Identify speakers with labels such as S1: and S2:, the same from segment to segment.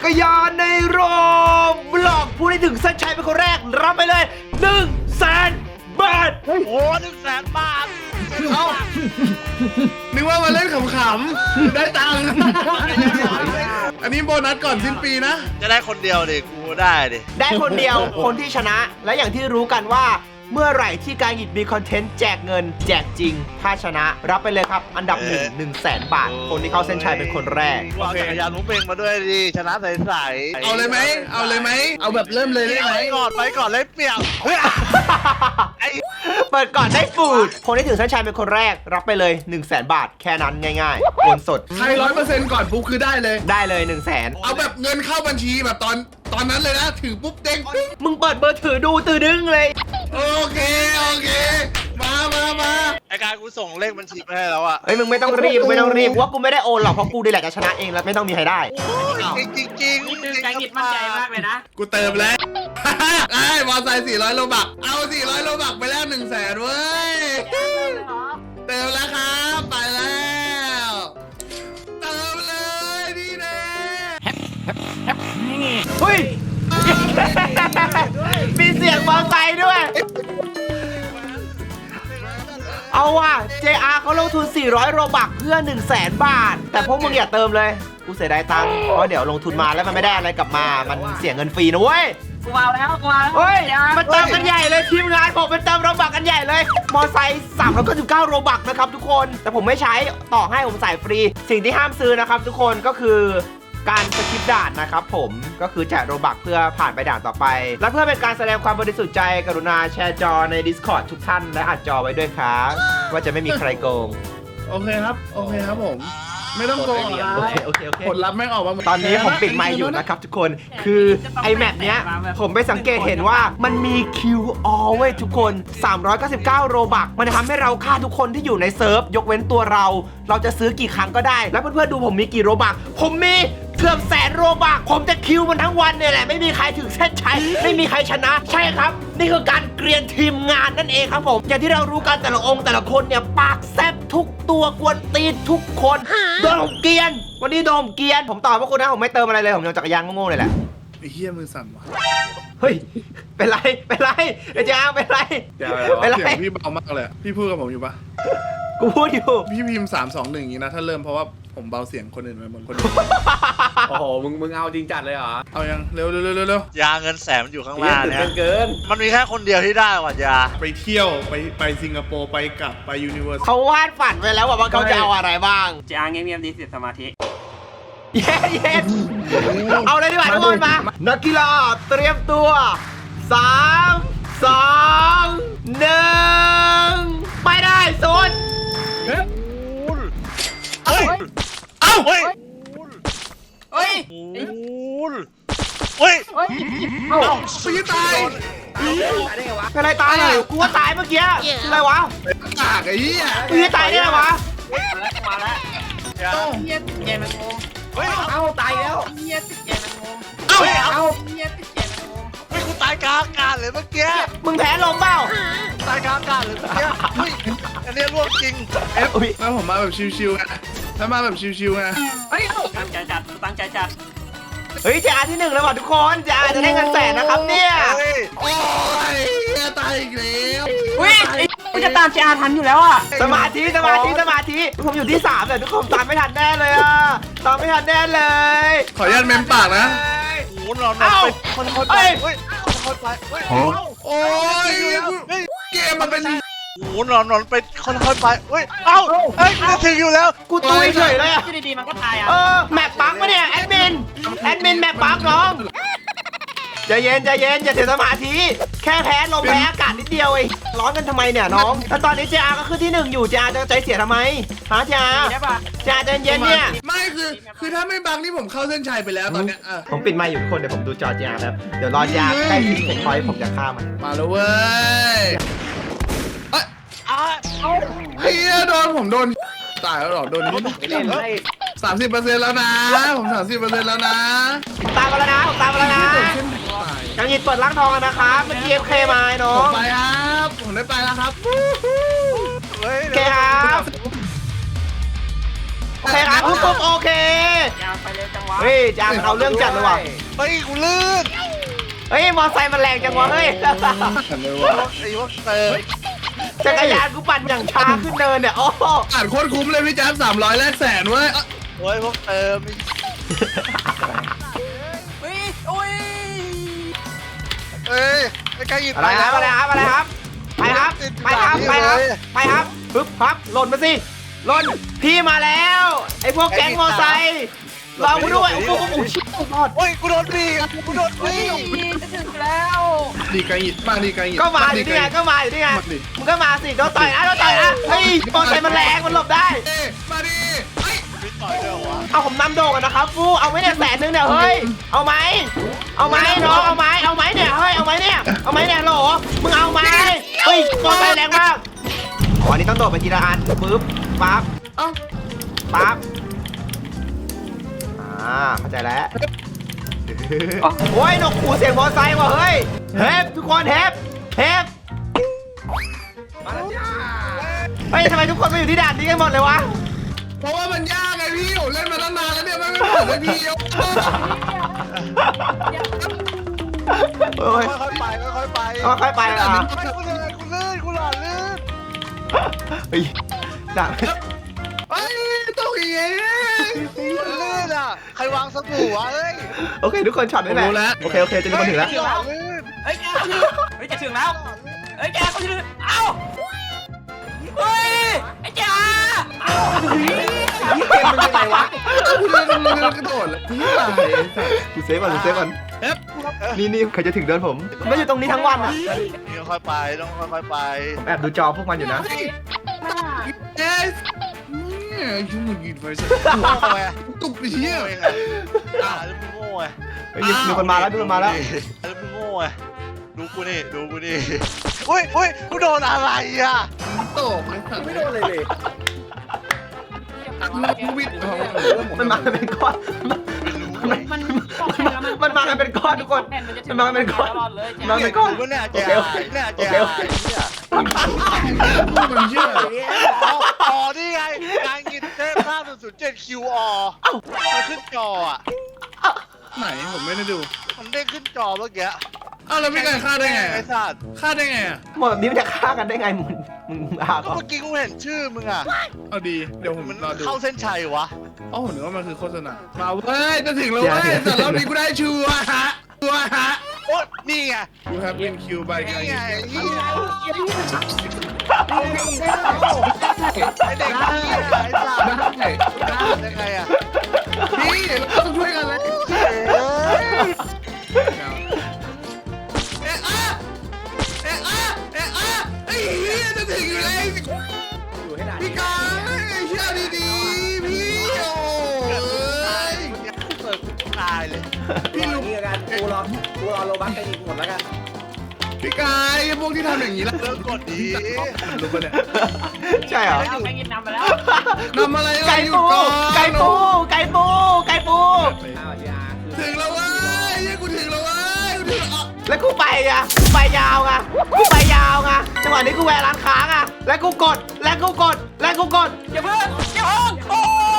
S1: กรยานในโรบล็อกผู้ที่ถึงเส้นชัยเป็นคนแรกรับไปเลย100,000 บาท
S2: โอ้โห100,000 บาท
S3: เอ้านึกว่ามาเล่นขำๆได้ตังค์อันนี้โบนัสก่อนสิ้นปีนะ
S2: จะได้คนเดียวดิกูได้ดิ
S1: ได้คนเดียวคนที่ชนะและอย่างที่รู้กันว่าเมื่อไหร่ที่การหยิบมีคอนเทนต์แจกเงินแจกจริงถ้าชนะรับไปเลยครับอันดับ100,000 บาทคนที่เข้าเส้นชัยเป็นคนแรก
S2: เอาจักรยานมุ้งเป่งมาด้วยดิชนะใสๆ
S3: เอาเลยไหมเอาแบบเริ่มเลยได้ไหม
S2: ไปก่อนเลยเปรียบ
S1: เปิดก่อนได้ฟูดคนที่ถึงเส้นชัยเป็นคนแรกรับไปเลย100,000 บาทแค่นั้นง่ายๆโอนสด
S3: ใคร100%ก่อนปุ๊บคือได้เลย
S1: ได้เลย100,000
S3: เอาแบบเงินเข้าบัญชีแบบตอนนั้นเลยนะถือปุ๊บเด้งปิ๊ง
S1: มึงเปิดเบอร์ถือดูตื่นดึงเลย
S3: โอเคมา
S2: ไอ้การกูส่งเลขบัญชีไปให้แล้วอ่ะ
S1: เฮ้ยมึงไม่ต้องรีบว่ากูไม่ได้โอนหรอกเพราะกูดีแหละจะชนะเองแล้วไม่ต้องมีใครได้
S2: จริง
S4: นี่คือการหยิบมั่นใจมากเลยนะ
S3: กูเติมแล้วไอ้มอไซค์400 โลบักเอา400 โลบักไปแล้ว100,000เว้ยเติมแล้วครับไปแล้วเติมเลยนี่แน่
S1: เฮ้ย มีเสียงมอไซค์ด้วย เอาว่ะ JR เขาลงทุน400 โรบักเพื่อ100,000 บาท แต่พวกมึงอย่าเติมเลย กูเสียดายตังค์เพราะเดี๋ยวลงทุนมาแล้วมันไม่ได้อะไรกลับมา มันเสียเงินฟรีนะเว้ย
S4: กูเอาแล้ว
S1: เฮ้ย มันเติมกันใหญ่เลยทีมงานผมมันเติมโรบักกันใหญ่เลย มอไซค์399 โรบักนะครับทุกคน แต่ผมไม่ใช้ต่อให้ผมใส่ฟรี สิ่งที่ห้ามซื้อนะครับทุกคนก็คือการสกิปด่านนะครับผมก็คือแจกโรบักเพื่อผ่านไปด่านต่อไป และเพื่อเป็นการแสดงความบริสุทธิ์ใจกรุณาแชร์จอใน Discord ทุกท่านและอัดจอไว้ด้วยครับว่าจะไม่มีใครโกง
S3: โอเคครับผม ไม่ต้องโกงหรอก
S1: โอเค
S3: ผลลัพธ์ไม่ออกมา
S1: ตอนนี้ผมปิดไมค์อยู่นะครับทุกคนคือไอแมปเนี้ยผมไปสังเกตเห็นว่ามันมี QR เว้ยทุกคน399 โรบักมันทำให้เราฆ่าทุกคนที่อยู่ในเซิร์ฟยกเว้นตัวเราจะซื้อกี่ครั้งก็ได้แล้วเพื่อนๆดูผมมีกี่โรบักผมมีเกือบ100,000 โรบักผมจะคิวมันทั้งวันเนี่ยแหละไม่มีใครถึงเส้นชัยไม่มีใครชนะใช่ครับนี่คือการเกรียนทีมงานนั่นเองครับผมอย่างที่เรารู้กันแต่ละองค์แต่ละคนเนี่ยปากแซบทุกตัวกวนตีนทุกคนโดนผมเกรียนวันนี้โดนผมเกรียนผมตอบว่าคุณนะผมไม่เติมอะไรเลยผมยังจักรยานโง่ๆเลยแหละ
S3: ไอ้เหี้ยมือสั่นว่ะ
S1: เฮ้ยเป็นไรไอ้จ้างเป็นไร
S3: เสียงพี่เบามากเลยพี่พูดกับผมอยู่ปะ
S1: กูพูดอยู่
S3: พี่พิมพ์3-2-1อย่างนี้นะถ้าเริ่มเพราะว่าผมเบาเสียงคนอื่นไปหมดคนอื่น
S5: โอ้โห มึงเอาจริงจัดเลยเหรอ
S3: เอายังเร็ว
S2: ยาเงิน100,000มันอยู่ข้างล่างเนี่ย
S5: เกิน
S2: มันมีแค่คนเดียวที่ได้ว่ะยา
S3: ไปเที่ยวไปสิงคโปร์ไปกลับไปยูนิเวอร์ส
S1: เขาวาดฝันไว้แล้วว่าเขาจะเอาอะไรบ้าง
S4: จะอ้างเงียบๆดีเสียสมาธิ
S1: เย็นเอาเลยดีกว่าทุกคนมานักกีฬาเตรียมตัว3 2 1ไปได้สุด
S2: เฮ้ย เอ้า เฮ้ย
S4: เฮ้ย
S2: เฮ้ย
S3: ปีตาย
S1: เป็นอะไรตายอ่ะกูว่าตายเมื่อกี้คืออะไรวะ
S3: กากไอ้เหี้ย
S1: กูจะตายได้ไงวะ
S4: มาแล้ว
S2: ยา
S4: เฮียติดแกมันงง
S2: เฮ้ย
S5: เอาตายแล้ว
S4: เฮียติดแกมันงง
S2: เฮ้ย เอา
S4: เฮียติดแกมันงง
S2: เฮ้ยกูตายกลางอากาศเลยเมื่อกี้
S1: มึงแพ้ลมเปล่า
S2: ตายกลางอากาศเลยเมื่อกี้เฮ้ยอันนี้ร่วงจริง
S1: อุ๊ย
S3: แล้วผมมาแบบชิวๆไงถ้ามาแบบชิวๆไง
S4: เฮ้ยตั้งใจจัด
S1: เฮ้ยJRที่ 1แล้วว่ะทุกคนJRจะได้เงิน100,000นะครับเนี่ย
S2: เฮ้ย
S3: โอ้ยเหี้ยตายอีกแล้ว
S4: อุ้ยกูจะตามเจอาทันอยู่แล้วอ่ะ
S1: สมาธิผมอยู่ที่3แต่ทุกคนตามไม่ทันแน่เลยอ่ะตามไม่ทันแน่เลย
S3: ขออนุญาตเมมปากนะ
S2: โอ้โหนอนไปคนไปเฮ้ยคนไปเฮ้ย
S3: โอ้ยเกมมันเป็น
S2: โอ้โหนอนไปคนไปเฮ้ย เอ้า เฮ้ยจะถึงอยู่แล้ว
S1: กูตุยเฉยเลยอ่ะ
S4: ที่ดีๆมันก็ตายอ่ะ
S1: แมปปักปะเนี่ยแอดมินแมปปักน้องใจเย็นอย่าเสียสมาธิแค่แพ้ลมแพ้อากาศนิดเดียวเองร้อนกันทำไมเนี่ยน้องแล้วตอนนี้JRก็ขึ้นที่ 1อยู่JRจะใจเสียทำไมฮะJR
S4: ได้ปะ
S1: JRใจเย็นเนี่ย
S3: ไม่คือถ้าไม่บังนี่ผมเข้าเส้นชัยไปแล้วตอนเนี้ย
S1: ผมปิดไมค์อยู่ทุกคนเดี๋ยวผมดูจอJRครับเดี๋ยวรอJRใกล้ถึงผมพอยผมจะฆ่ามัน
S3: มาแล้วเว้ยเฮียผมโดนตายแล้วหรอโดนนิด
S5: เล่นให้
S3: 30%แล้วนะผม30%แล้วนะ
S1: ตามมาแล้วนะผมตามมาแล้วนะยังยินเปิดร่างทองกันนะครับเมื่อกี้ FK มาไอ้น้อ
S3: ผม
S1: ง
S3: ไปครับผมได้ไปแล้วครับ
S2: เฮ้ย
S1: โอเคครับโอเคครับปุ๊บโอเค
S4: ยาวไปเร็วจังวะ
S1: เฮ้ยจางมันเอาเรื่องจัดเลยว่ะ
S2: เฮ้ยกูลื่น
S1: เฮ้ยมอไซค์มันแรงจังวะเฮ้ย
S2: ไอ้พวกเติม
S1: จักรยานกูปั่นอย่างช้าขึ้นเนินเนี่ยโอ้โห
S3: อ่านโคตรคุ้มเลยพี่แจ๊บ300แลกแสนเว้ย
S2: โอ้ยพวกเติม
S4: เฮ้ยโอ้ย
S2: เอ้ยไอ้ไก่หยิบ
S1: อะไรครับอะไรครับอะไรครับไปครับไปครับไปครับไปครับปึ๊บครับหล่นมาสิหล่นพี่มาแล้วไอ้พวกแก๊งมอไซค์รอกูด้วยโอ้โหชิบหาย
S2: โอ้ยกูโดนบีกูโดนบี
S4: จะถึงแล้ว
S3: ดีไกลหิดบ้างดีไกลหิด
S1: ก็มาอยู่นี่ไงก็มาอยู่นี่ไงมึงก็มาสิโดนต่อยนะโดนต่อยนะเฮ้ยมอไซค์มันแรงมันหลบได้
S3: มาดิเฮ้ย
S2: ไม่ต่อยด้วยวะ
S1: เอาผมนำโด่งกันนะครับฟูเอาไหมเนี่ย100,000เนี่ยเฮ้ยเอาไหมเอาไหมน้องเอาไหมเอาไหมเนี่ยเฮ้ยเอาไหมเนี่ยเอาไหมเนี่ยโหลมึงเอาไหมเฮ้ยมอไซค์แรงมากวันนี้ต้องโดดไปทีละอันปึ๊บปั๊บ
S3: เอ้า
S1: ปั๊บเข้าใจแล้วโอ้ยนกขู่เสียงมอไซค์ว่ะเฮ้ยเฮฟทุกคนเฮฟเฮฟ
S3: มาแล้วจ้า
S1: เฮ้ยทำไมทุกคนมาอยู่ที่ด่านนี้กันหมดเลยวะ
S3: เพราะว่ามันยากไงพี่ผมเล่นมาตั้งนานแล้วเนี่ยไม่เหมือนเลยพี่
S1: เฮ้ย
S2: ค่อยๆไปค่อยๆไป
S1: ค่อยๆไปอ่ะ
S2: กูเลยกูลื่นกูหล่อลื่น
S1: เฮ้ยด่าน
S3: เฮ้ยต้องอย่างงี้
S2: ลื่นอ่ะใครวางสบู่วะเอ้ย
S1: โอเคทุกคนช็อตได้แหละโอเคโอเคจะมีคนถึงแล้ว
S2: หล่อลื่น
S4: เฮ้ยแกเขาถึงเฮ้ยจะถึงแล้วเฮ้ยแกเขาถึงเอ้าเฮ้ยไอ้จ๋าเอ้า
S1: เกมมันยังไงวะ
S3: กูเดินกระโดดเลยพี่อะไร
S1: กูเซฟก่อนกูเซฟก่อนนี่ใครจะถึงเดินผมไม่อยู่ตรงนี้ทั้งวันอ่ะ
S2: นี่ค่อยๆไปต้องค่อยๆไป
S1: ผมแอบดูจอพวกมันอยู่นะ
S3: เอ๊ะเนี่ยยุ่งหยิบไปสิ
S2: โง่ไง
S3: ตุกไปเชี่ย
S2: โง่ไงแล้วมึงโง่ไง
S1: เฮ้ยมีคนมาแล้วมีคนมาแล้ว
S2: แล้วมึงโง่ไงดูกูนี่ดูกูนี่อุ้ยอุ้ยกูโดนอะไรอ่ะ
S3: ตกเลยสัตว์
S5: ไม่โดนเลยเลย
S3: กูวิทย์
S1: มันมากันเป็นก้อน
S2: ไม่รู้เว้ย
S1: มันมากันเป็นก้อนทุกคนมันมากันเป็นก้อน
S4: เลย
S1: มาเป็นก้อน
S2: กูเนี่ย
S1: โอ
S2: จะ
S1: เคโอเค
S2: เนี่ย
S1: โอ
S2: จะ
S1: เคโอเค
S2: เนี่ย
S3: มันเชื่อ
S2: อ๋อนี่ไงการกินเทพ5007 QR มันขึ้นจออ่ะ
S3: ไหนผมไม่ได้ดู
S2: มันเด้งขึ้นจอเมื่อกี้
S3: อ้าวแล้วพี่ไก่ฆ่าได้ไง
S2: ไอ้สัตว์
S3: ฆ่าได้ไงอ่ะ
S1: หมดแบบนี้มันจะฆ่ากันได้ไงมึงอา
S2: ก็
S1: ก่อน
S2: เมื่อกี้กูเห็นชื่อมึงอ่ะ
S3: เอาดีเดี๋ยวผม
S2: มัน
S3: รอดู
S2: เข้าเส้นชัยวะ
S3: อ๋อผมนึกว่ามันคือโฆษณามาเว้ยจะถึงแล้วเว้ยแต่รอบนี้กูได้ชัวร์ฮะชัวร์ฮะ
S2: โอ๊ยนี่ไง
S3: You have been killed by
S2: นี่
S3: guy
S2: ไงนี่ไงไอ้เด็กนี่ไอ้สัตว์
S3: ได้
S2: ยังไงอ่ะ
S3: พี่เราต้องช่วยกันเลย
S2: เอ้ย
S3: เอ๊ะอะเอ๊ะอะเอ๊ะอะไอ้เหี้ยจะถึงอยู่แล้ว
S5: อยู่ให้ได้
S3: พี่กายเชื่อดีๆพี่โอ้ย
S2: เปิดตายเลย
S3: พี่ลุง
S5: นี่กันกูรอโลบัคกันอีกหมดแล้วกัน
S3: พี่กายพวกที่ทำอย่างนี้แล้ว
S2: เลิกกดดี
S3: รู้ปะเนี่ย
S1: ใช่เหรอ
S4: เอาไปกินน้ำไปแล้ว
S3: ทำอะไร
S1: ไก่ปูไก่ปูไก่ปูไก่ปู
S5: อ้าวจีอาคือ
S3: ถึงแล้วเว้ยเฮ้ยกูถึงแล้วเว้ยกูถึงแล้ว
S1: แล้วกูไปอ่ะกูไปยาวไงกูไปยาวไงจังหวะนี้กูแวะร้านค้าไงแล้วกูกดแล้วกูกดแล้วกูกด
S4: อย่าเพิ่งอย่าเพิ่งโอ้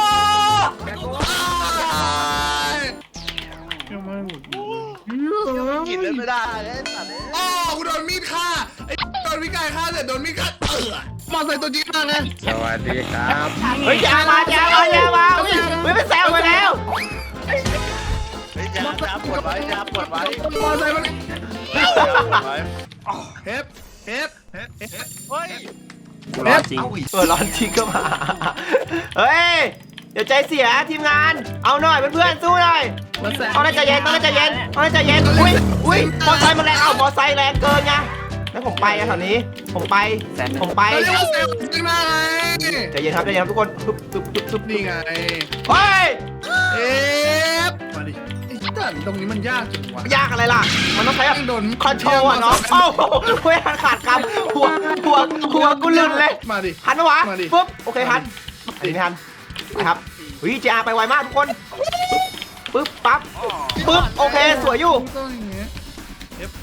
S3: ยังไม่หมด
S2: กินเลยไม่ได้ไอ้สัตว์
S3: อ๋อกูโดนมีดฆ่าไอ้โดนพี่กายฆ่าเสร็จโดนมีดฆ่ามาใส่ตัวจริงมาไง
S5: สวัสดีครับ
S1: เฮ้ยอย่ามาอุ้ยไปแซวมาแล้ว
S2: เฮ้ยยาปวดไว้ยาปวดไว้
S3: มาใส่มัน
S2: ยาปวดไว้
S3: เฮฟเฮฟเฮฟเฮฟ
S2: เฮ้ย
S3: เฮฟ
S1: ร้อนจริงก็มาเฮ้ยเดี๋ยวใจเสียทีมงานเอาหน่อยเพื่อนๆสู้หน่อยเอาหน่อยใจเย็นเอาหน่อยใจเย็นเอาหน่อยใจเย็นอุ้ยมอไซค์มันแรงมอไซค์แรงเกินไงแล้วผมไปอะแถวนี้ผมไป
S3: เรียกว่าเซลล์จริงมาไง
S1: ใจเย็นครับทุกคนซุบ
S3: นี่ไง
S1: เฮ้ย
S3: เอฟมาดิไอ้ด่านตรงนี้มันยากจังวะ
S1: ยากอะไรล่ะมันต้องใช้แบบ
S3: โดน
S1: คอนโทรลอะเนาะโอ้โหเว้ยขาดคำหัวกูลื่นเลย
S3: มาดิ
S1: หันมาวะ
S3: มาดิ
S1: ปุ๊บโอเคหันอันนี้ไม่หันไปครับเฮ้ยJRไปไวมากทุกคนปึ๊บปั๊บปึ๊บโอเคสวยอยู่
S3: ต้องอย่างเงี้ยเอฟ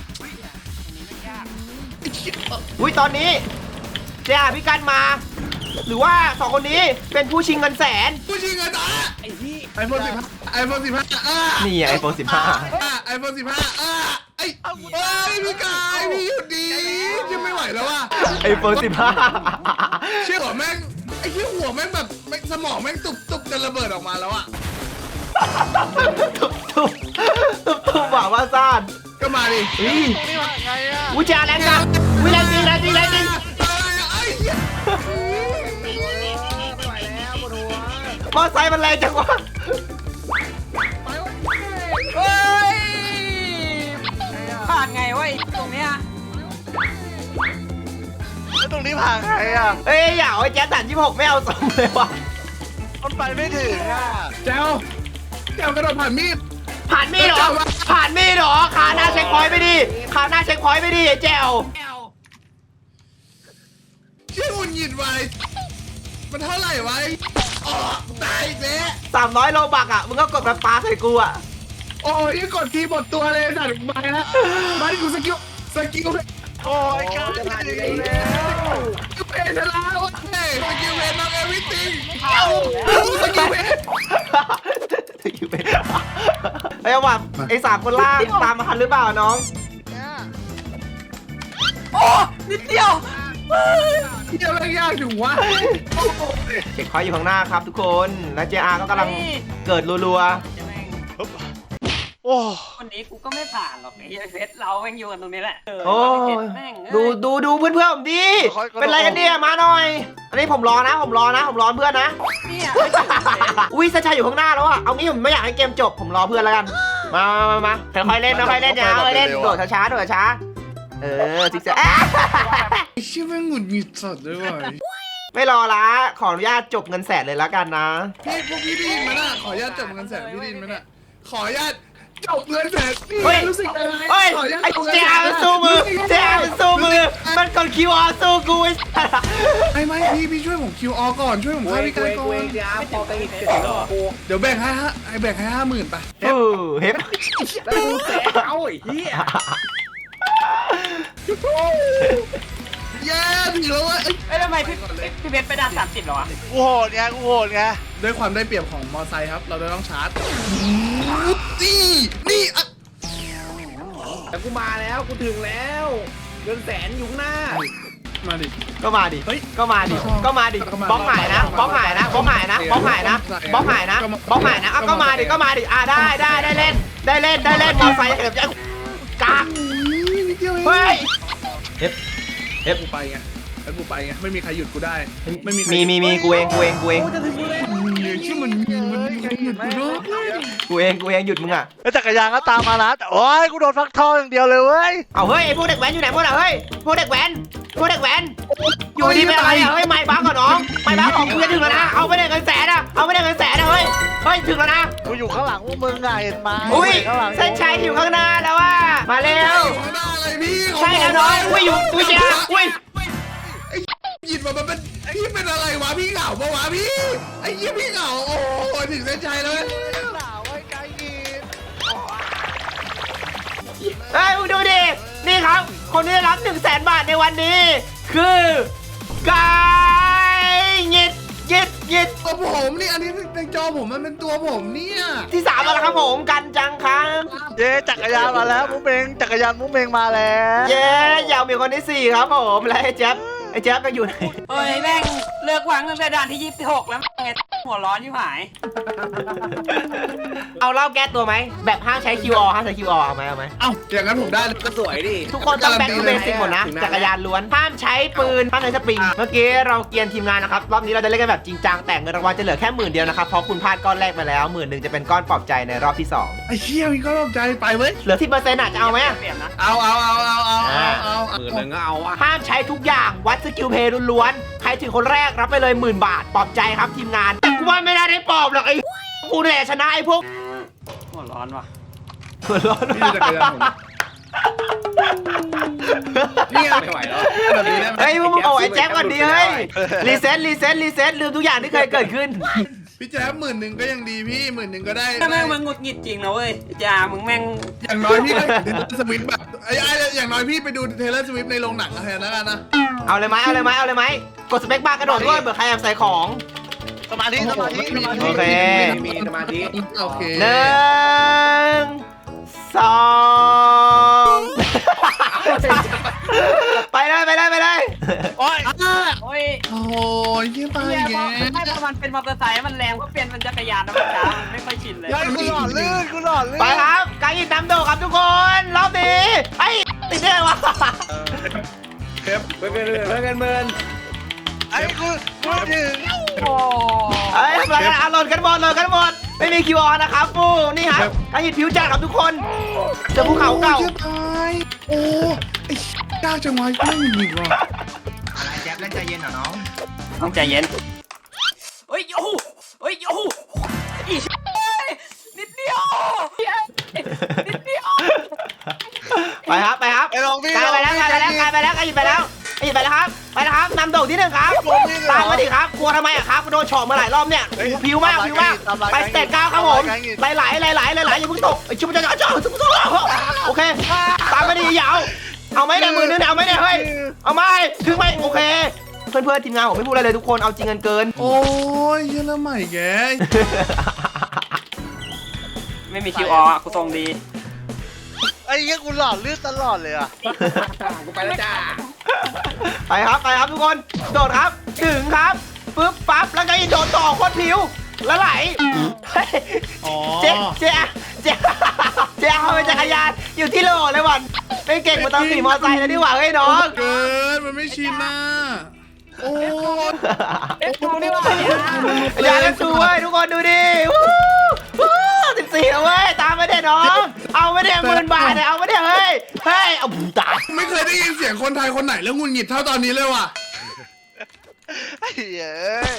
S1: อุ้ยตอนนี้JRพี่กันมาหรือว่าสองคนนี้เป็นผู้ชิงเงินแสน
S3: ผู้ชิงเงินอ่ะ
S5: ไอ้ที่
S3: ไอโฟน15ไอโฟน15
S1: นี่ไอโฟน15
S3: ไอโฟน15ไอ้พี่กายพี่หยุดดียังไม่ไหวแล้วว่ะ
S1: ไอโฟน15
S3: เชื่อหัวแม่งไอ้ที่หัวแม่งแบบสมองแม่งตุบจะระเบิดออกมาแล้วอ่ะ
S1: ทุบหว่าว่าซ่าน
S3: ก็มาดิ
S1: อุ้ย
S2: ตรงนี้ว่าไงอ่ะ
S1: อุ้ยจ่าแรงจังอุ้ยแรงจริงแรงจริงแรงจริง
S3: ไอ้เหี้ย
S5: ไม่ไหวแล้วปวดหัว
S1: มอไซค์มันแรงจังวะ
S4: เฮ้ยผ่านไงวะไอ้ตรงเนี้ย
S2: แล้วตรงนี้ผ่านไงอ่ะ
S1: เอ้ยอย่าเอาไอ้แจ๊สตัน26ไม่เอาทรงเลยว่ะ
S2: มันไปไม่ถึงอ่ะ
S3: แจ้วกระโดดผ่านมีด
S1: ผ่านมีดเหรอผ่านมีดเหรอขาหน้าเช็คพอยต์ไปดิขาหน้าเช็คพอยต์ไปดิไอ้แจว
S3: ชื่อหุ่นหยิดไว้มันเท่าไหร่ไว้ตายอีกแล้ว
S1: 300โลบักอ่ะมึงก็กดแบบปลาใส่กูอ่ะ
S3: โอ้ยกดทีหมดตัวเลยสัตว์มาแล้วมาดิกูสกิล
S2: โอ้ยกา
S5: จะผ่าน
S2: ร
S5: อยู่แล้ว
S3: เพนชนะโอ้ยสกิลเพนน้องเอวิติงสกิลเพน
S1: ไอ้ยว่ะไอ้3คนล่างตามมาทันหรือเปล่าน้อง
S4: โอ้นิดเดียว
S3: เที่ยวอะไรยากถึงวะ
S1: เช็คพอยต์อยู่ข้างหน้าครับทุกคนและ JR ก็กำลังเกิดรัว
S4: จะแม่ง
S2: โอ้
S4: วันนี้กูก็ไม่ผ่านหรอกไอ้เฟสเราแม่งอยู่กันตรงนี้แหละ
S1: ๆโอ้ย
S4: แม่ง
S1: ดูเพื่อนๆผมดิเป็นไรกันเนี่ยมาหน่อย อันนี้ผมรอเพื่อนนะ
S4: เนี่ยไม่ถึงเลย
S1: อุ้ยสชายอยู่ข้างหน้าแล้วอ่ะ เอางี้ผมไม่อยากให้เกมจบ ผมรอเพื่อนแล้วกัน มาค่อยๆเล่นค่อยๆเล่นอย่าเล่นโดดช้าๆซิกแซก
S3: ไอ้เชี่ยแม่งหงุดหงิดสัตว์เลยว่ะ
S1: ไม่รอละขออนุญาตจบเงินแสนเลยแล้วกันนะ
S3: พวกพี่ได้ยินไหมน่ะขออนุญาตจบเงินแสนพี่ได้ยินไหมน่ะขออนุญาตจบเงินแสนพี่
S1: เฮ้ย
S3: รู้สึกยังไง
S1: เฮ้ย
S3: ขออนุญาต
S1: ไอ้
S3: จบเงิน
S1: เจ้า
S3: แสน
S1: สู้มือเจ้าสู้มือ มันกดคิวออสู้กูไอ้
S3: ไม่พี่ช่วยผม QR ก่อนช่วยผม
S5: เว
S3: ฆ่าง พี่
S5: เว
S3: กาย
S5: ง
S3: ก่อ
S5: เวน งจ้าพอไปอีกจะถึงแล้วกู
S3: เดี๋ยวแบ่งให้50,000ไป
S1: เฮ้ย
S5: แล้วกูแสนเอาไอ้เหี้ย
S3: เย้ถึงแล้วเว้ย
S4: เอ้ยทำไมพี่เบสไปด่าน30เหรอวะ
S2: กูโหดไง
S3: ด้วยความได้เปรียบของมอไซค์ครับ เราจะต้องชาร์จนี่อ่ะ
S5: แต่กูมาแล้วกูถึงแล้วเงินแสนอยู่ข้างหน้า
S3: มาดิ
S1: ก็มาดิ
S3: เฮ้ย
S1: ก็มาดิ บล็อกหายนะบล็อกหายนะอ่ะก็มาดิอ่ะได้เล่นมอไซค์เดี๋ยวกาก
S3: นิดเดียวเอง
S1: เฮ้ย
S3: กูไปไงแล้วกูไปไงไม่มีใครหยุดกูได้ไม่มีใคร
S1: มีกูเอง
S5: กูจะถึงกูแล้ว
S3: ชื่อมันมีใครหยุดกูด้วย
S1: กูเองหยุดมึงอ่ะ
S2: แล้วจักรยานก็ตามมานะแต่โอ้ยกูโดนฟักทองอย่างเดียวเลยเว้ย
S1: เอาเฮ้ยไอ้พวกเด็กแว้นอยู่ไหนหมดอ่ะเฮ้ยพวกเด็กแว้นอยู่ดีเป็นอะไรอ่ะเฮ้ยไม่บ้าก่อนน้องไม่บ้าของกูจะถึงแล้วนะเอาไปได้เงินแสนอ่ะเฮ้ยถึงแล้วนะ
S2: กูอยู่ข้างหลังพวกมึงไงเห็นไหม
S1: อุ้ย
S2: ข้างหลัง
S1: เส้นชัยอยู่ข้างหน้าแล้วว่ามาเร็ว
S3: ข้างหน้าอะไรพี่
S1: ใช่แล้วน้องอุ้ยอยู่อุ้ยจ้าอุ้ย
S3: หยิบมามันเป็นพี่เป็นอะไรวะพี่เหงาปะวะพี่ไอ้ยี่พี่เหงาโอ้ถึงเส้นชัยแล้ว
S2: หนาวไอ้ไก่ยิน
S1: เฮ้ยมึงดูดินี่ครับ คนที่ได้รับ100,000 บาทในวันนี้ คือกายหยิด
S3: ตัวผมนี่อันนี้ในจอผมมันเป็นตัวผมเนี่ย
S1: ที่3แล้วครับผมกันจังครับ
S2: เย้จักรยานมาแล้วมุ้งเมงจักรยานมุ้งเมงมาแล้ว
S1: เย้ยาวมีคนที่4ครับผมและไอ้แจ๊บก็อยู่ไหน
S4: เฮ้ยแม่งเลิกวางตั้งแต่ด่านที่26แล้วไงหัวร้อนชิบหาย
S1: เอาเหล้าแก้ตัวไหมแบบห้ามใช้ QR เอาไหม
S3: เอ้าอย่างนั้นผมได้เลย
S5: ก็สวยดิ
S1: ทุกคนต้องแบ็คทูเบสิกหมดนะจักรยานล้วนห้ามใช้ปืนห้ามใช้สปริงเมื่อกี้เราเกียนทีมงานนะครับรอบนี้เราจะเล่นกันแบบจริงจังแต่เงินรางวัลจะเหลือแค่10,000 เดียวนะครับเพราะคุณพลาดก้อนแรกมาแล้ว10,000จะเป็นก้อนปลอบใจในรอบที่2
S3: ไอ้เชี่ยมีก็รอบใจไปเว้ย
S1: เหลือ10%อ่ะจะเอาไหม
S4: เปลี่ยนนะ
S3: เอา
S5: หมื่นหนึ่งก็เอาอ่ะ
S1: ห้ามใช้ทุกอย่างวัดสกิลเพย์ล้วนๆใครถึงคนแรกรับไปเลย10,000 บาทปลอบใจครับทีมงานแต่กูว่าไม่น่าได้ปลอบหรอกไอ้กูแหละชนะไอ้พวก
S4: หัวร้อนว่ะ
S1: หัวร้อน
S3: พี่ดูจักรยานผมนี่ไม่ไหวแล้วแบบนี้ได้ไหม
S1: เฮ้ยมึงเอาไอ้แจ็คก่อนดีเฮ้ยรีเซ็ตลืมทุกอย่างที่เคยเกิดขึ้น
S3: พี่แจ๊บ10,000ก็ยังดีพี่10,000ก็ได้
S4: ถ้าแม่งมึงหงุดหงิดจริงนะเว้ยจ่ามึงแม่ง
S3: อย่างน้อยพี่ก็เทเลอร์สวิฟแบบอย่างน้อยพี่ไปดูเทเลอร์สวิฟในโรงหนังแทนแล้วกันนะ
S1: เอาเลยไหมกดสเปคบาร์กระโดดด้วยเผื่อใครแอบใส่ของ
S2: สมาธิสมาธิสมาธิ
S1: โอเค
S5: มีสมาธิ
S3: โอเค
S1: 1 2 ไปเลย
S2: โอ้ย
S4: โอ้ย
S3: โอ้ยยี่ตาย
S4: เนี่ย
S3: แก
S4: ไม่พอมันเป็นมอเตอร์ไซค์มันแรงก็เปลี่ยนเป็นจักรยานนะมันช้ามันไม่ค่อยชินเลย
S2: ยัยกูหล่อลื่นกูหล่อลื่น
S1: ไปครับกายยินน้ำโดครับทุกคนรอบนี้ไอ้ติดได้ไงวะ
S5: เพื่อนกันเมิน
S2: ไอ้กูถึง
S4: โอ้
S1: เอ้ยทำอะไรกันอ่ะโหลดกันหมดไม่มี QR นะครับปูนี่ครับกายยินผิวจัดครับทุกคนเจอภูเขาเก่า
S3: โอ้ยตายโอ้ไอ้ก้าวจังหวะไม่มีว่ะ
S1: อะไรแจ๊บเล่นใจเย็นเหรอน้อง
S4: ต้องใจเย็นเฮ้ยโอ้โหเฮ้ยโอ้โหอีนิดเดียวนิดเดียว
S1: ไปครับ
S2: ไอ้ลองพี่
S1: กายไปแล้วกายหยิบไปแล้วครับนำโด่งที่ 1ครับตามมาดิครับกลัวทำไมอะครับโดนเฉาะมาหลายรอบเนี่ยผิวมากไปสเตจ9ครับผมไหลอย่าเพิ่งตกชุบจะโอเคตามมาดิยาวเอาไหมเนี่ยมือนึงเอาไหมเนี่ยเฮ้ยเอาไหมถึงไหมโอเคเพื่อนทีมงานผมไม่พูดอะไรเลยทุกคนเอาจริงกันเกิน
S3: โอ้ยเยอะแล้วใหม่แก
S4: ไม่มี QR อ่ะกูทรงดี
S2: ไอ้เงี้ยกูหล่อลื่นตลอดเลยอ่ะ
S5: กูไปแล้วจ้า
S1: ไปครับทุกคนโดดครับถึงครับปึ๊บปั๊บแล้วก็อีกโดดต่อโคตรผิวแล้วไหล
S3: อ๋อ
S1: เจ๊เอาไปจักรยานอยู่ที่โลเลยวันไม่เก่งมาตอนขี่มอเตอร์ไซค์แล้วดีกว่าเฮ้ยน้อง
S3: เกินมันไม่ชินนะโอ้ย
S4: ดูนี่ว่า
S1: อย่าเล่นซูเว้ยทุกคนดูดิ14แล้วเว้ยตามไม่ได้น้องเอาไม่ได้10,000 บาทเนี่ยเอาไม่ได้เฮ้ยเอาบุญตาย
S3: ไม่เคยได้ยินเสียงคนไทยคนไหนแล้วงุนหงิดเท่าตอนนี้เลยว่ะ
S2: ไอ้เหี้ย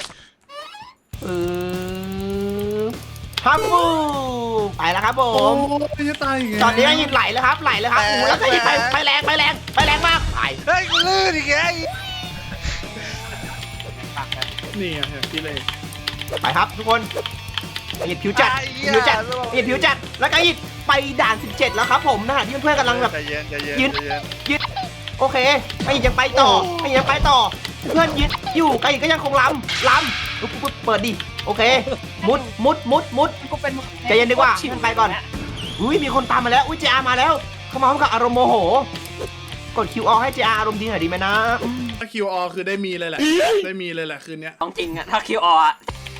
S1: ฮับบูไปแล้วครับผ
S3: โอ้
S1: ม
S3: ยจะตายอีก
S1: ตอนนี้ก็หยิบไหลแล้วครับโอ้โหแล้วก็หยิบไปแรงมากไป
S2: เฮ้ยกูลื่นอีกไง
S3: นี่อ่ะพี่เลย
S1: ไปครับทุกคนหยิบผิวจัดแล้วก็หยิบไปด่าน 17 แล้วครับผมนะฮะที่เพื่อนๆกำลังแบบ
S2: ใจเย็น
S1: โอเคไอ้ยังไปต่อเพื่อนยึดอยู่ไอ้ก็ยังคงลำปุ๊บเปิดดิโอเคมุด
S4: กูเป็น
S1: ใจเย็นดีกว่าไปก่อนอุ้ยมีคนตามมาแล้วอุ้ย JR มาแล้วเข้ามาพร้อมกับอารมณ์โมโหกด QR ให้ JR อารมณ์ดีหน่อยดีไหมนะ
S3: ถ้า QR คือได้มีเลยแหละได้มีเลยแหละคืนนี้
S4: ต้องจริงอ่ะถ้า QR อ่ะ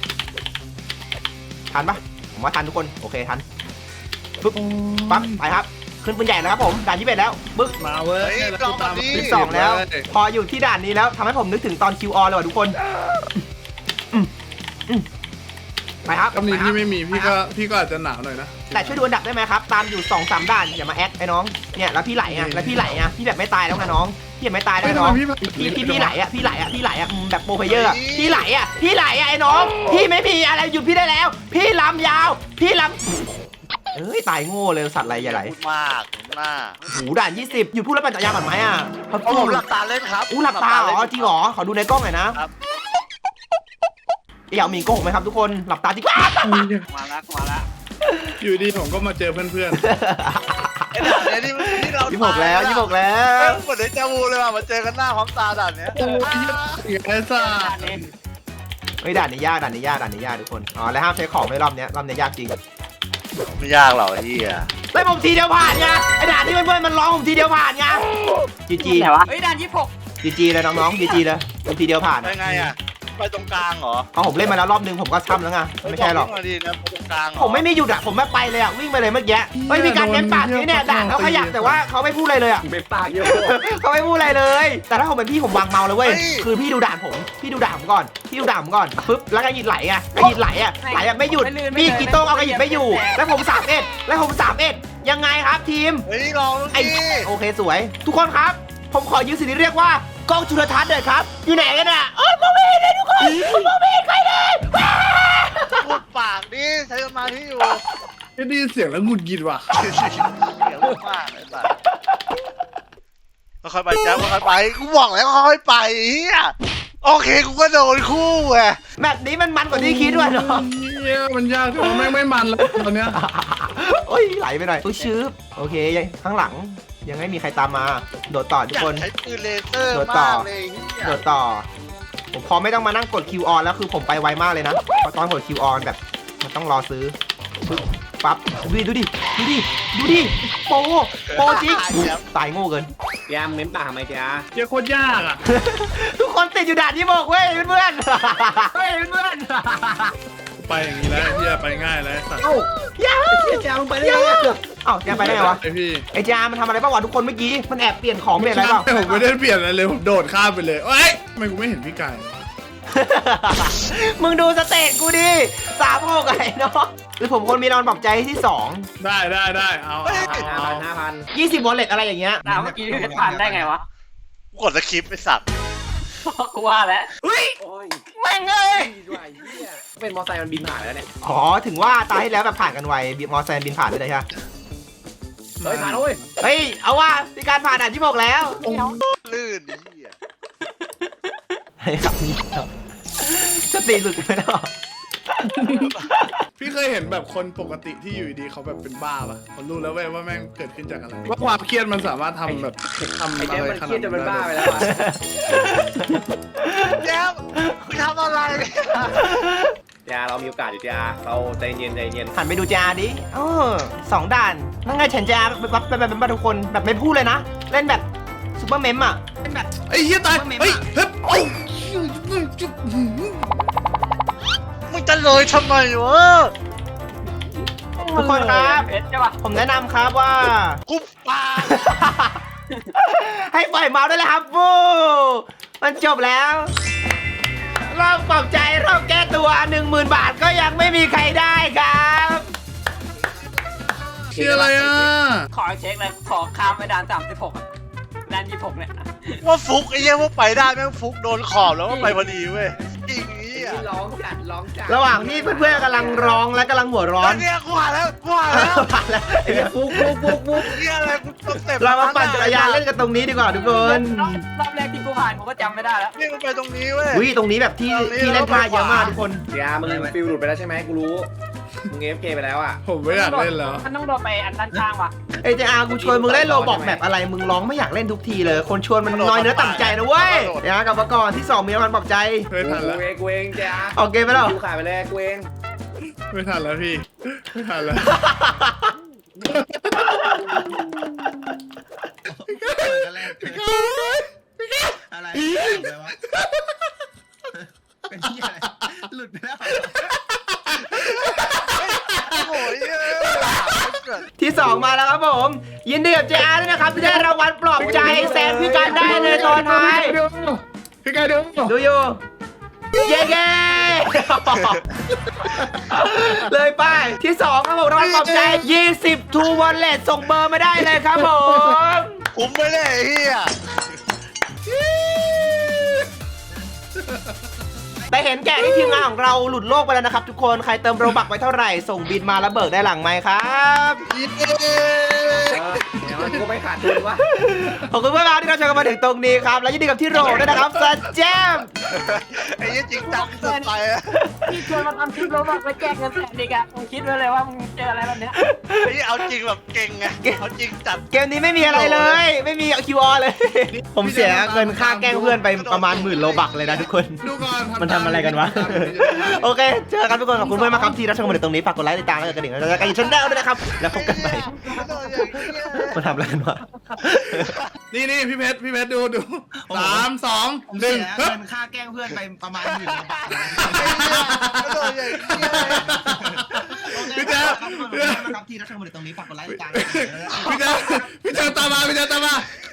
S1: ทันปะผมว่าทันทุกคนโอเคทันปุ๊บปั๊บไปครับขึ้นปืนใหญ่แล้วครับผมด่าน21แล้วปึ๊บ
S3: มาเว้ย
S1: 12แล้วพออยู่ที่ด่านนี้แล้วทำให้ผมนึกถึงตอน QR เลยว่ะทุกคนไปครับ
S3: กำนี้พี่ไม่มีพี่ก็อาจจะหนาวหน่อยนะ
S1: แต่ช่วยดูอันดับได้ไหมครับตามอยู่ 2-3 ด่านอย่ามาแอคไอ้น้องเนี่ยแล้วพี่ไหลอ่ะพี่แบบไม่ตายแล้วไงน้องพี่แบบไม่ตายแล้วน้องพี่ไหลอ่ะแบบโปรเพเยอร์พี่ไหลอ่ะไอ้น้องพี่ไม่มีอะไรหยุดพี่ได้แล้ว พี่ลำยาวพี่ลำเอ้ยตายโง่เลยสัตว์อะไรอย่าไหล
S2: มากหน้า
S1: หูด่าน20หยุดพูดแล้วปั่นจักรยานก่อนไหมอ่ะ
S2: ผมหลับตาเล่นครับ
S1: หลับตาเหรอจริงเหรอขอดูในกล้องหน่อยนะครับ อยากมีโกหกไหมครับทุกคนหลับตาจริง
S4: มาละ
S3: อยู่ดีผมก็มาเจอเพื่อน
S2: ไอ้ด่านเนี้ยที่เรา
S1: 26แล้ว
S2: เหมือนเดจาวูเลยว่ะมาเจอกันหน้าพร้อมตาด่านเนี้ย
S3: ๆโอ้ยไอ้ซ่า
S1: เฮ้ยด่านนี้ยากทุกคนอ๋อแล้วห้ามใช้ของในรอบเนี้ยยากจริง
S2: ไม่ยากหรอกไอ้เหี้ย
S1: ได้ผมทีเดียวผ่านไงไอ้ด่านที่เพื่อนๆมันร้องผมทีเดียวผ่านไงจี
S4: ไหนวะเฮ้ยด่าน26
S1: เลยน้องๆจีเลยผมทีเดียวผ่าน
S2: ไปไงอ่ะไปตรงกลางเหรอ
S1: เอาผมเล่นมาแล้วรอบนึงผมก็ช้ำแล้วไงไม่ใช่หรอก
S2: วิ่งมาดีนะไปตรงกลางเหรอ
S1: ผมไม่มีหยุดอ่ะผมไม่ไปเลยอ่ะวิ่งไปเลยเมื่อกี้เฮ้ยมีการเน้นปากนี้เนี่ยด่านเขาขยับแต่ว่าเขาไม่พูดอะไรเลยอ่ะ
S5: เป็นปากโย
S1: เขาไม่พูดอะไรเลย แต่ถ้าผมเป็นพี่ผมวางเมาเลยเว้ยคือพี่ดูด่านผมก่อนปึ๊บแล้วก็หยิบไหลอ่ะไม่หยุดพี่กีโต้งเอากระหยิบไม่อยู่แล้วผม31ยังไงครับทีม
S2: เฮ้ยลอง
S1: ไอ้
S2: ดิ
S1: โอเคสวย ทุกคนครับ ผมขอยืมสิ่งที่เรียกว่ากล้องจุลทรรศน์หน่อยครับอยู่ไหนกันอ่ะมองไม่เห็นเลยทุกคนมองไม่เห็นใครเลย
S2: พูดปากดิใช้สมาธิอยู่
S3: ไม่ได้ยินเสียงแล้วงุนหงิดว่ะ
S2: เสียงมากไอ้สัสค่อยๆไปแจ๊บค่อยๆไปกูบอกแล้วค่อยๆไปเฮียโอเคกูก็โดนคู่ไง
S1: แบบนี้มันกว่าที่คิดด้วยเนาะ
S3: เนี่ยมันยากแต่ว่าแม่งไม่มันแล้วตอนเนี้ย
S1: โอ้ยไหลไปหน่อยชื้อโอเคข้างหลังยังไม่มีใครตามมาโดดต่อทุก
S2: อยา
S1: ค
S2: ก
S1: น
S2: ใช้ปืนเลเซอร์
S1: โดดต่อ
S2: มากเลยเฮีย
S1: โดดต่อผมพอไม่ต้องมานั่งกด Q on แล้วคือผมไปไวมากเลยนะเพราะตอนกด Q on แบบมันต้องรอซื้อปึ๊บปั๊บดูดิโปจริงตายโง่เกิน
S5: ยามเม้มปากทำไมจ๊ะ
S2: เจ๊โคตรยากอ่ะ
S1: ทุกคนติดอยู่ด่านที่บอกเว้ยเพื่อนๆเฮ้ยเพื่อน
S2: ไปอย่างนี้แล้วเฮียไปง่ายแล้วสัตว์
S5: เอ้า
S1: อย่า
S5: เชี่ยจ้ามึงไปได้ไง
S1: เอ้าแกไปได้ไงวะ
S2: ไอพี่
S1: ไอ้จามันทำอะไรบ้างวะทุกคนเมื่อกี้มันแอบเปลี่ยนของเปลี่ยนอะไรเปล่า
S2: ผมไม่ได้เปลี่ยนอะไรเลยผมโดดข้ามไปเลยเอ้ยทำไมกูไม่เห็นพี่ไก่
S1: มึงดูสเตตกูดิ36ไอ้เนาะหรือผมคนมีรางวัลปลอบใจที่2
S2: ได้เอา
S5: 5,000
S1: 20 wallet อะไรอย่างเงี้ย
S4: ถามเมื่อกี้พี่เพชรผ่านได้ไงวะ
S2: กดสคริปต์ไอสัตว์
S4: กูว่าแล้วเฮ้ย
S5: โอ้ย
S4: แม่งเอ้ย
S5: ดีด้วยเหี้ยเป็นมอไซค์มันบินผ่านแล้วเนี่ย
S1: อ๋อถึงว่าตาที่แล้วแบบผ่านกันไวมอไซค์บินผ่านด้วยใช่ไหม
S5: เฮ้ยผ่านแล้วเว้ย
S1: เฮ้ยเอาว่ามีการผ่านด่านที่บอกแล้ว
S2: ลื่นเฮีย
S1: เฮ้ยครับนี่สติหลุดไปแล้ว
S2: พี่เคยเห็นแบบคนปกติที่อยู่ดีเขาแบบเป็นบ้าป่ะผมรู้แล้วเว้ยว่าแม่งเกิดขึ้นจากอะไรว่าความเครียดมันสามารถทำแบบทำ
S5: ไอ้
S2: อะ
S5: เจ๊
S2: ไร
S5: มัน
S2: ข
S5: เค
S2: นา
S5: รีย
S2: ด
S5: ดจน
S2: นั้
S5: มัน
S2: น
S5: บ้าไปแล้วอะ
S2: แย้มมึงทำอะไร
S5: จ้าเรามีโอกาสอยู่จ้าเราใจเย็น
S1: หันไปดูจาดิ2 ด่านนั่นไงฉันจะแบบทุกคนแบบไม่พูดเลยนะ เล่นแบบซูเปอร์เมมอ่ะเล่นแบบ
S2: ไอ้เฮียตายเฮ้ยเฮ้ยโอ้ย มึงจะเลยทำไมวะ
S1: ทุกคนครับ
S4: เพชรใช่ปะ
S1: ผมแนะนำครับว่า
S2: คุบปาก
S1: ให้ปล่อยเมาส์ได้เลยครับฟูมันจบแล้ว รอบปลอบใจรอบแก้ตัว 10,000 บาทก็ยังไม่มีใครได้ครับ
S2: เชื่ออะไรอ่ะ
S4: ขอเช็คเลยขอข้ามไปด่าน36อะด่าน26เนี่ย
S2: ว่าฟุกไอ้เหี้ยว่าไปได้แม่งฟุกโดนขอบแล้วก็ไปพอดีเว้ยจริงนี้อ่ะ
S5: ๆร้องจัด
S1: ระหว่างที่เพื่อนๆกำลังร้องและกำลังหัวร้อน
S2: เนี่ยกูหาแล้ว
S1: ผ่านแล้ว
S5: ไอ้เหี้ยฟุก
S2: เหี้ยอะไรกูต้องเต็ม
S1: เรามาปั่นจักรยานเล่นกันตรงนี้ดีกว่าทุกคน
S4: รอบแรกที่กูผ่านกูก็จำไม่ได้แล้ว
S2: นี่มันไปตรงนี้เว้ย
S1: วิตรงนี้แบบที่เล่นท่าเยอะมากทุกคน
S5: จ้ามึงฟิลหลุดไปแล้วใช่ไหมกูรู้มึงAFKไปแล้วอ่ะ
S2: ผมไม่อยากเล่นแล้ว
S4: มันต้องโดนไปอันด้านข้างว่ะ
S1: เอเจอาร์กูชวนมึงเล่นโลบอกแบบอะไรมึงร้องไม่อยากเล่นทุกทีเลย คนชวนมันน้อยเนื้อต่ำใจนะเว้ยเดี๋ยวกลับมาก่อนที่ 2 มีรางวัลปลอบใจ
S2: ไม่ทันแล้ว
S5: กูเองจ้า
S1: ออกเกมไปแล้ว
S5: กูขายไปแล้วกูเอง
S2: ไม่ทันแล้วพี่ไม่ทันแล้ว
S1: อะไรวะเป็นที่อะไรหลุดไปแล้ว
S2: โอ้ย
S1: ที่ 2 มาแล้วครับผม ยินดีกับเจอาร์ด้วยนะครับที่ได้รางวัลปลอบใจแซมพี่กันได้ในตอนท้าย
S2: พี่ไก่ดู
S1: ดูอยู่เย้เลยไปที่ 2 ครับผมรางวัลปลอบใจ 20 ทูวอลเล็ตส่งเบอร์มาได้เลยครับผม
S2: ผมไม่ได้เฮีย
S1: แต่เห็นแก่ที่ทีมงานของเราหลุดโลกไปแล้วนะครับทุกคนใครเติมโรบักไว้เท่าไหร่ส่งบินมาแล้วเบิกได้หลังไหมครับ
S5: เดี๋ยวมันกูไม่ขาดทุนวะ
S1: ขอบคุณมากที่เราชมกันมาถึงตรงนี้ครับและยินดีกับที่โรด้วยนะครับสแจม
S2: ไอ้ยี่จริงจังสุดไปอะ
S4: พี่ชวนมาทำคลิปแล้วบอกไปแจกเงินแสนอีกอะมึงคิดไว้เลยว่ามึงเจออะไรแบบเนี้ย
S2: ไอ้เอาจริงแบบเก่งไงเอาจริงจัด
S1: เกมนี้ไม่มีอะไรเลย ไม่มีคิวอเลย ผมเสียเงินค่าแกล้งเพื่อนไปประมาณ10,000 โลบักเลยนะทุกคน
S2: ดูก่อน
S1: มันทำอะไรกันวะ โอเคเจอกันทุกคนขอบคุณเพื่อนมากครับที่รับชมกันมาถึงตรงนี้ฝากกดไลค์ติดตามและกดกระดิ่งแล้วจะกันอีกชั้นดาวด้วยนะครับแล้วพบกันใหม่มาทำอะไรกันวะ
S2: นี่พี่เพชรดู3 2 1
S1: เงินค่าแกล้งเพื่อนไปประมาณ10,000 โลบัก
S2: พี่แจ๊ค
S1: ที่รับชมกันมาถึงตรงนี้ฝากกดไลค์ติดตาม
S2: พี่แจ๊คตามมา